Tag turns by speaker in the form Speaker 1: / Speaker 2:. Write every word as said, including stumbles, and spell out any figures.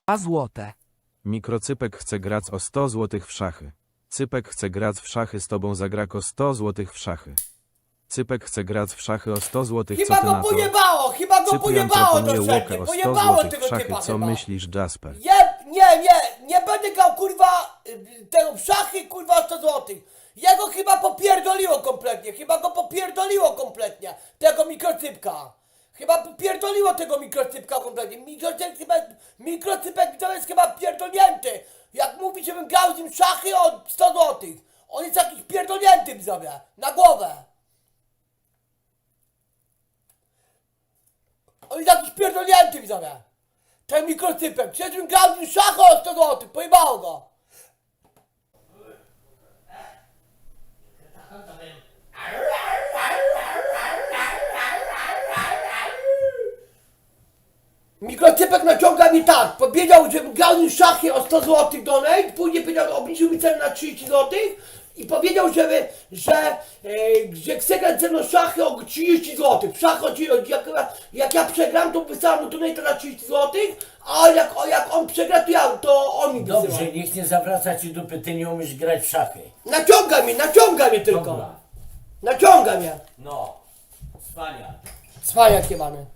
Speaker 1: A złote.
Speaker 2: Mikrocypek chce grać o sto złotych w szachy. Cypek chce grać w szachy z tobą, zagra o sto złotych w szachy. Cypek chce grać w szachy o sto złotych, co
Speaker 3: Chyba
Speaker 2: ty
Speaker 3: go
Speaker 2: na to?
Speaker 3: pojebało, chyba go
Speaker 2: Cyprian
Speaker 3: pojebało
Speaker 2: proponuje
Speaker 3: to
Speaker 2: łokę
Speaker 3: wszędzie,
Speaker 2: o sto
Speaker 3: pojebało
Speaker 2: złotych
Speaker 3: tego
Speaker 2: w szachy,
Speaker 3: typa
Speaker 2: co
Speaker 3: chyba.
Speaker 2: myślisz, Jasper?
Speaker 3: Je, nie, nie, nie będę grał kurwa y, tego w szachy kurwa sto złotych. Jego chyba popierdoliło kompletnie, chyba go popierdoliło kompletnie, tego mikrocypka. Chyba popierdoliło tego mikrocypka kompletnie. Mikrocypek chyba, mikrocypek to jest chyba pierdolnięty. Jak mówi, żebym grał z nim w szachy o sto złotych. On jest jakiś pierdolnięty sobie, na głowę. On jest jakiś pierdolnięty widzowie. Ten mikrocypek. Przecież bym grał z nim w szachy o sto złotych. Pojebało go. Mikrocypek naciąga mi tak. Powiedział, żebym grał z nim w szachy o sto złotych donate. Później powiedział, obniżył mi cenę na trzydzieści złotych. I powiedział, żeby, że, e, że chce grać ze mną w szachy o trzydzieści złotych. W szachy o trzydzieści jak, jak ja przegram, to wysyłam mu donate na trzydzieści złotych, a jak, o, jak on przegra, to, ja, to on mi wysyła.
Speaker 4: Dobrze, niech nie zawraca ci dupy, ty nie umiesz grać w szachy.
Speaker 3: Naciąga mnie, naciąga mnie tylko.
Speaker 4: Dobra.
Speaker 3: Naciąga mnie.
Speaker 4: No, wspaniale.
Speaker 3: Cwaniak jebany.